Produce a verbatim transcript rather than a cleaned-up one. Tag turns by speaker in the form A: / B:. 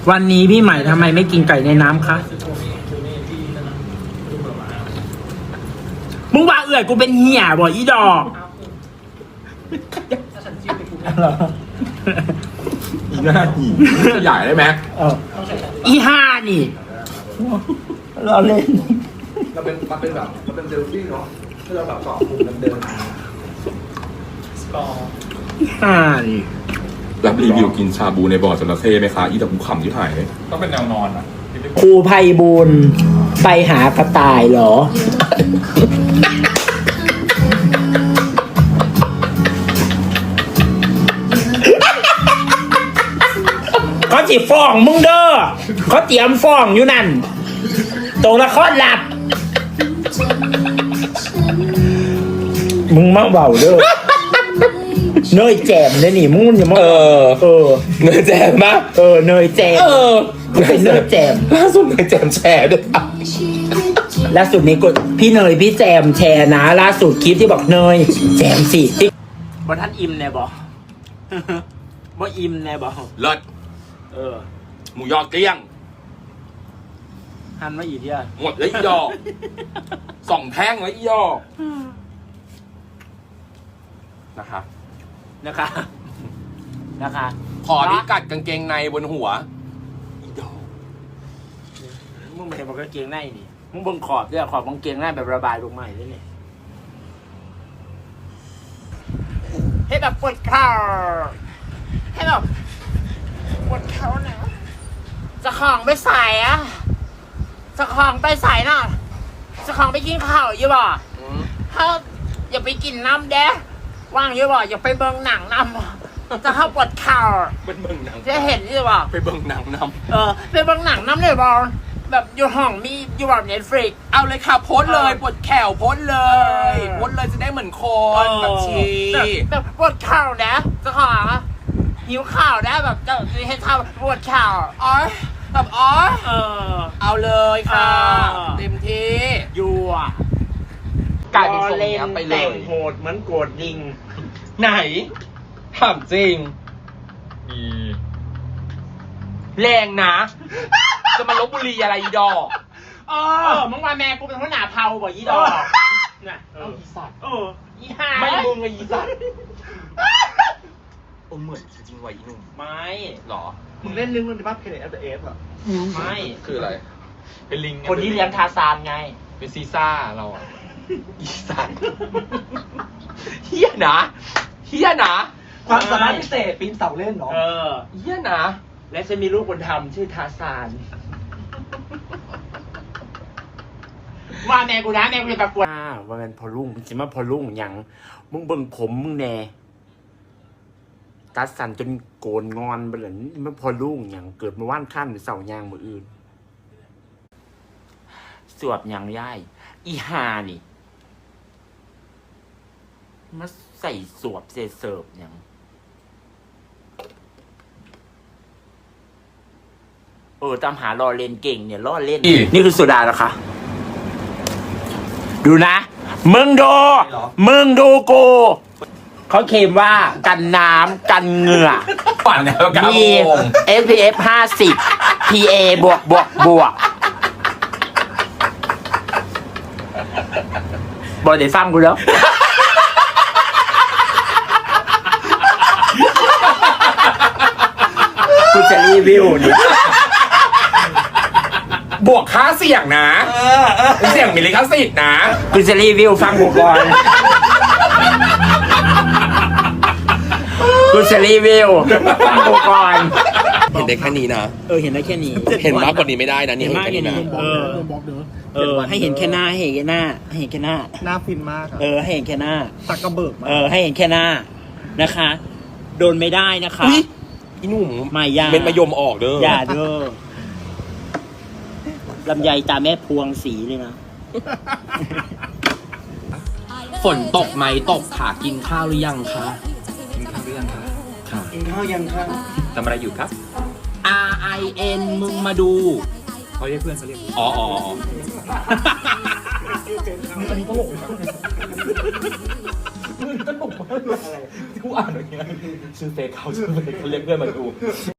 A: วันนี้พี่ใหม่ทำไมไม่กินไก่ในน้ำคะมึงว่าเอื่อยกูเป็นเหี้ยบ่อีดอก
B: อีหน้าหีใหญ่ได้ไหม
A: อีห้านี่เราเล่น
B: เราเป็นมันเป็นแบบมันเป็นเซลฟี่เนาะที่เราแบบสองมุมเดิมสกอร์
A: ห้านี่
B: รับรีวิวกินชาบูในบ่อจระเข้ไหมคะอีแต่กูขำที่ถ่ายเลยต้องเป็นแนวนอนอ่ะ
A: ครูไพบูลย์ไปหากระต่ายเหรอเขาจีฟ้องมึงเด้อเขาเตรียมฟ้องอยู่นั่นตรงละครหลับมึงมาเบาเด้อเนยแจมเลยนี่มึงอย่ามาเออเออ
B: เนยแจมปะ
A: เออเนยแจมเออมันเป็นเนยแจม
B: ล่าสุดเนยแจมแชร์ด้วย
A: ล่าสุดนี้กดพี่เนยพี่แจมแชร์นะล่าสุดคลิปที่บอกเนยแจมสิติ๊กบอท่านอิ่มแน่บอกบ่อิ่มแน่บอก
B: เลิศ
A: เออ
B: หมูยอเกลี้ยง
A: หันมาอีกทีอะ
B: หมดเลยอีดอกสองแท่งเลยอีดอกนะคะ
A: นะคะนะคะ
B: ขอที่กัดกางเกงในบนหัวอีดอก
A: มึงไม่เห็นบอกกางเกงในนี่มึงบนขอบด้วยขอบกางเกงในแบบระบายลงมาด้วยนี่ให้แบบปวดเข่าให้แบบปวดเข่าหน่อยจะของไปใส่อะจะของไปใส่น่ะจะของไปกินข้าวอยู่บ่ถ้าอย่าไปกินน้ำแดะว่างอยู่บ่อย่าไปเบิ่งหนังน้ำจะเข้าปวดเข่า
B: เป็นเบิ่งหนัง
A: จะเห็นอยู่บ่
B: ไปเบิ่งหนังน้
A: ำเออไปเบิ่งหนังน้ำเลยบ่แบบอยู่ห้องมีอยู่แบบเน็ตฟลิก
B: เอาเลยค่ะโพสเลยปวดแขวโพสเลยโพสเลยจะได้เหมือนคนแบบชี
A: แบบปวดเข่านะจะขอหิวข่าวนะแบบจะให้ทำปวดข่าว
B: อ๋อแบบอ๋อ
A: เออ
B: เอาเลยค่ะเต็มที่
A: ยั่ว
B: กลายเป็นทรงนี้ไปเลยแต่ง
A: โหดเหมือนโกดลิง
B: ไหนถามจริงมีแรงนะจะมาลบบุรีอะไรอีดอก
A: เออมึงว่าแม่กูเป็นหัวหน้าเผาบ่อีดอก
B: น่ะเอออีสัตว์
A: เอออีห่า
B: ไม่มึงไงอีสัตว์โอ้เหมือนจริงๆว่ะอีหนุ่ม
A: ไม่
B: หรอ
C: มึงเล่นเรื่องนึงที่ว่าเพลย์แอฟเอฟอ่ะ
A: ไม่
B: คืออะไรเป็นลิง
A: คนที่เลี้ยงทาซานไง
B: เป็นซีซ่าเราอ่ะอีสัตว์เฮี้ยนะเฮี้ยนะ
C: ความสามารถพิเศษปีนเสาเล่นเนาะ
A: เออ
B: เฮี้ยนะ
A: และจะมีลูกบุญธรรมชื่อทาซานว่าแม่กูนะแม่กูจะประกวดว่ามันพอลุ่งจริงว่าพอลุ่งอย่างมึงเบิ่งผมมึงแน่ตัดสันจนโกนงอนไปเลยมันพอลุ่งอย่างเกิดมาว่านขั้นหรือเสายางมืออื่นสวบอย่างย่ายอีฮานี่มาใส่สวบเสเสิร์ฟอย่างเออตามหาล่อเล่นเก่งเนี่ยล่อเล่นนี่คือสุดานะคะดูนะมึงดูมึงดูกูเขาเคลมว่ากันน้ำกันเหงื่อ
B: ปั่นแล้วกัน
A: มี เอส พี เอฟ ห้าสิบ พี เอ บวกบวกบวกบอกเดี๋ยวฟังกูแล้วกูจะรีวิวนี่
B: บวกค่าเสี่ยงนะเสี่ยงมีลิขสิทธิ์นะ
A: กูจะรีวิวฟังกูก่อนกูจะรีวิวฟังกูก่อน
B: เห็นได้แค่นี้นะ
A: เออเห็นได้แค่นี้
B: เห็นมากกว่านี้ไม่ได้นะนี่
A: เห็นมากแค่นี้เออเออให้เห็นแค่หน้าให้เห็นแค่หน้าให้เห็นแค่หน้า
C: หน้าฟินมาก
A: เออให้เห็นแค่หน้า
C: ตักกระเบิก
A: เออให้เห็นแค่หน้านะคะโดนไม่ได้นะคะ
B: อีหนุ่ม
A: ไม่ยา
B: เป็นมายมออกเด้อ
A: อย่าเด้อลำไยตาแม่พวงสีเลยนะ
B: ฝนตกไหมตกค่ะกินข้าวหรือยังคะ
C: กินข้าวหรือยังคะ
B: ค่ะ
C: กินข้าวยังคะ
B: ทำอะไรอยู่ครับ R I N มึงมาดูเขาเรียกเพื่อนเขาเรียกอ๋ออ๋ออันนี้ตลกมึงตลกมากเลยอะไรที่กูอ่านอย่างเงี้ยชื่อเฟซเขาชื่อเฟซเขาเรียกเพื่อนมาดู